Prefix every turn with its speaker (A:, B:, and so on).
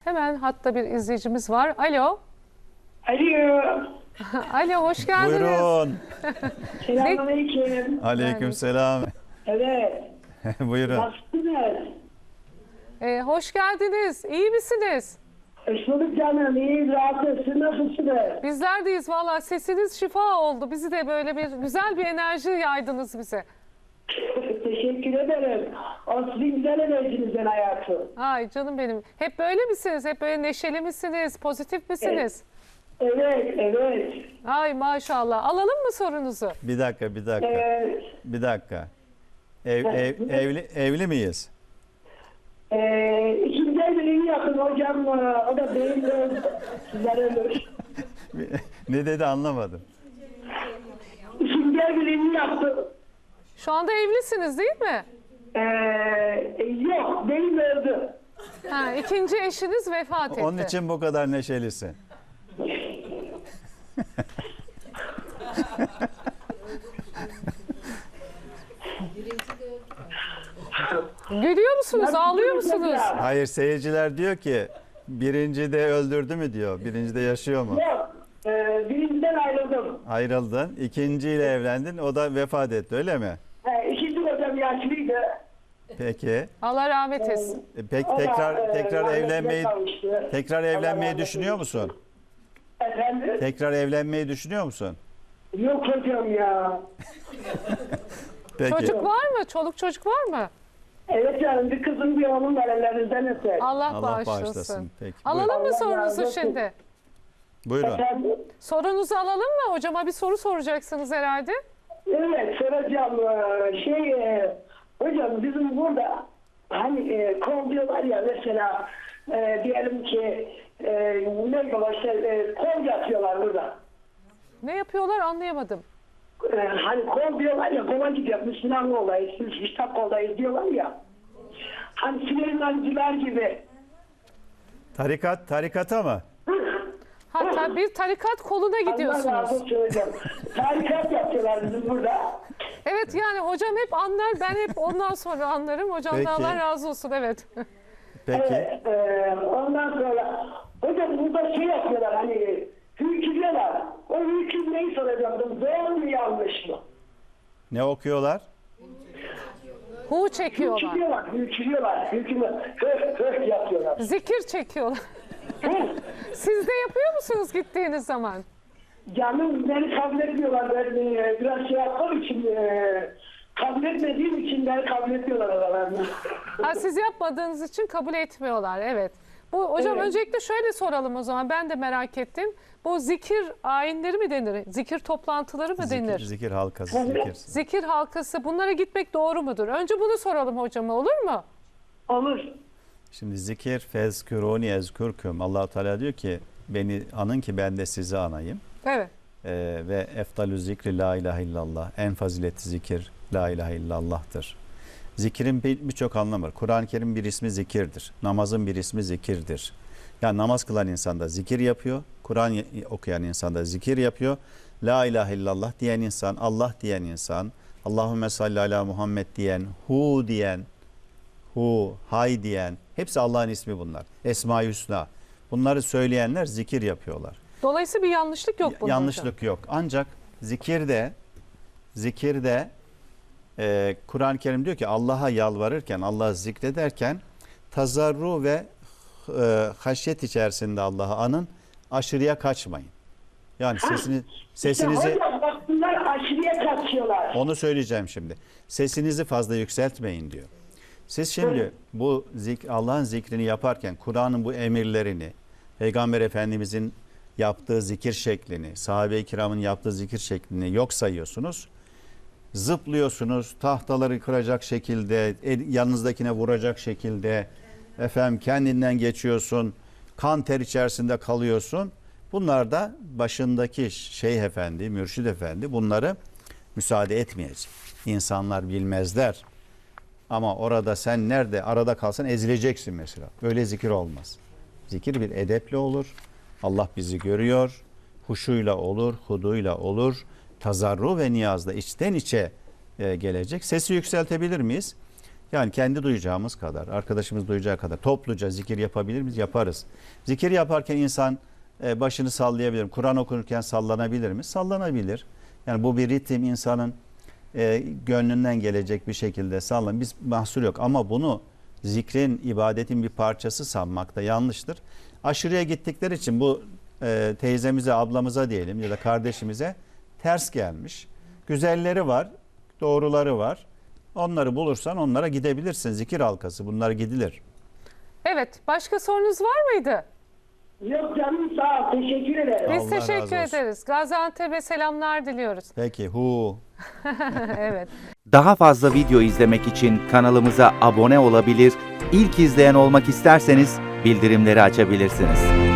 A: Hemen hatta bir izleyicimiz var. Alo.
B: Alo.
A: Alo, hoş geldiniz.
C: Buyurun.
B: Selamünaleyküm.
C: Aleykümselam.
B: Evet.
C: Buyurun.
B: Nasılsınız?
A: Hoş geldiniz. İyi misiniz?
B: Hoş bulduk canım. İyi, rahatsız. Siz nasılsınız?
A: Bizler deyiz valla. Sesiniz şifa oldu. Bizi de böyle bir güzel bir enerji yaydınız bize.
B: Teşekkür ederim. O sizin güzel enerjinizden hayatım.
A: Ay canım benim. Hep böyle misiniz? Hep böyle neşeli misiniz? Pozitif misiniz?
B: Evet, evet.
A: Ay maşallah. Alalım mı sorunuzu?
C: Bir dakika. Bir dakika. Evli miyiz?
B: İkinci evliliğini yapın hocam. O da benim de sizler ölür.
C: Ne dedi anlamadım.
B: İkinci evliliğini yaptım.
A: Şu anda evlisiniz değil mi?
B: Yok, benim öldü.
A: Ha, ikinci eşiniz vefat etti.
C: Onun için bu kadar neşelisin.
A: Gülüyor musunuz? Ağlıyor musunuz?
C: Hayır, seyirciler diyor ki birinci de öldürdü mü diyor. Birinci de yaşıyor mu?
B: Yok, birinciden ayrıldım.
C: Ayrıldın. İkinciyle evlendin. O da vefat etti, öyle mi?
B: İkinci hocam yaşlıydı.
C: Peki.
A: Allah rahmet etsin.
C: Peki
B: O da,
C: tekrar
B: rahmetine
C: evlenmeyi
B: kavuştu.
C: tekrar
B: Allah
C: evlenmeyi
B: rahmet
C: düşünüyor
B: eylesin.
C: musun?
B: Efendim?
C: Tekrar evlenmeyi düşünüyor musun?
B: Yok hocam ya.
C: Peki.
A: Çocuk var mı? Çoluk çocuk var mı?
B: Evet canım, bir kızım bir oğlum var, ellerinizden öper.
A: Allah,
C: Allah
A: bağışlasın.
C: bağışlasın. Peki.
A: Alalım mı
B: Allah razı
A: sorunuzu
B: olsun.
A: şimdi?
C: Buyurun.
B: Efendim?
A: Sorunuzu alalım mı? Hocama bir soru soracaksınız herhalde.
B: Evet, soracağım. Hocam bizim burada hani kol diyorlar ya, mesela diyelim ki ne diyorlar işte, kol yapıyorlar burada.
A: Ne yapıyorlar anlayamadım.
B: Hani kol diyorlar ya, kola gidiyor, Müslüman olayız, Müslüman koldayız diyorlar ya. Hani Süleymancılar gibi.
C: Tarikata mı?
A: Hatta bir tarikat koluna
B: Allah razı
A: gidiyorsunuz.
B: olsun hocam. Tarikat yapıyorlar bizim burada.
A: Evet yani hocam hep anlar, ben hep ondan sonra anlarım. Hocam da
C: Peki.
A: Allah razı olsun, evet.
C: Peki.
B: Ondan sonra hocam burada şey yapıyorlar, hani hükümler. O hükümleyi soracaktım. Doğru mu yanlış mı?
C: Ne okuyorlar?
A: Hu çekiyorlar.
B: Hükümler. Höh yapıyorlar.
A: Zikir çekiyorlar. Siz de yapıyor musunuz gittiğiniz zaman?
B: Canım beni kabul etmiyorlar. Ben biraz şey yaptığım için, kabul etmediğim için beni kabul etmiyorlar aralarında.
A: Ha, siz yapmadığınız için kabul etmiyorlar, evet. Bu hocam
B: Evet.
A: öncelikle şöyle soralım o zaman, ben de merak ettim. Bu zikir ayinleri mi denir? Zikir toplantıları mı denir?
C: Zikir halkası. Zikir.
A: Zikir halkası, bunlara gitmek doğru mudur? Önce bunu soralım hocama, olur mu?
B: Olur.
C: Şimdi zikir fezküruni ezkürküm. Allah Teala diyor ki beni anın ki ben de sizi anayım.
A: Evet.
C: Ve eftalü zikri la ilahe illallah. En faziletli zikir la ilahe illallah'tır. Zikirin birçok anlamı var. Kur'an-ı Kerim bir ismi zikirdir. Namazın bir ismi zikirdir. Yani namaz kılan insan da zikir yapıyor. Kur'an okuyan insan da zikir yapıyor. La ilahe illallah diyen insan, Allah diyen insan, Allahümme salli ala Muhammed diyen, hu diyen, hu, hay diyen, hepsi Allah'ın ismi bunlar. Esma-i Hüsna. Bunları söyleyenler zikir yapıyorlar.
A: Dolayısıyla bir yanlışlık yok bunda
C: Yanlışlık
A: hocam.
C: yok. Ancak zikirde Kur'an-ı Kerim diyor ki Allah'a yalvarırken, Allah'ı zikrederken tazarru ve haşyet içerisinde Allah'ı anın, aşırıya kaçmayın. Yani sesinizi
B: Hocam bak, bunlar aşırıya kaçıyorlar.
C: onu söyleyeceğim şimdi. Sesinizi fazla yükseltmeyin diyor. Siz şimdi bu Allah'ın zikrini yaparken Kur'an'ın bu emirlerini, Peygamber Efendimizin yaptığı zikir şeklini, sahabe-i kiramın yaptığı zikir şeklini yok sayıyorsunuz. Zıplıyorsunuz, tahtaları kıracak şekilde, yanınızdakine vuracak şekilde, efendim kendinden geçiyorsun, kan ter içerisinde kalıyorsun. Bunlar da başındaki Şeyh Efendi, Mürşid Efendi bunları müsaade etmeyecek. İnsanlar bilmezler. Ama orada sen nerede arada kalsan ezileceksin mesela. Böyle zikir olmaz. Zikir bir edeple olur. Allah bizi görüyor. Huşuyla olur, huduyla olur. Tazarru ve niyazda içten içe gelecek. Sesi yükseltebilir miyiz? Yani kendi duyacağımız kadar, arkadaşımız duyacağı kadar topluca zikir yapabilir miyiz? Yaparız. Zikir yaparken insan başını sallayabilir mi? Kur'an okunurken sallanabilir mi? Sallanabilir. Yani bu bir ritim, insanın gönlünden gelecek bir şekilde sallan. Biz mahsur yok ama bunu zikrin, ibadetin bir parçası sanmak da yanlıştır. Aşırıya gittikleri için bu teyzemize, ablamıza diyelim ya da kardeşimize ters gelmiş. Güzelleri var, doğruları var. Onları bulursan onlara gidebilirsin. Zikir halkası, bunlar gidilir.
A: Evet, başka sorunuz var mıydı?
B: Yok canım, sağ ol. Teşekkür ederim.
A: Biz
C: Allah razı
A: teşekkür
C: olsun.
A: ederiz. Gaziantep'e selamlar diliyoruz.
C: Peki,
A: Evet.
D: Daha fazla video izlemek için kanalımıza abone olabilir, ilk izleyen olmak isterseniz bildirimleri açabilirsiniz.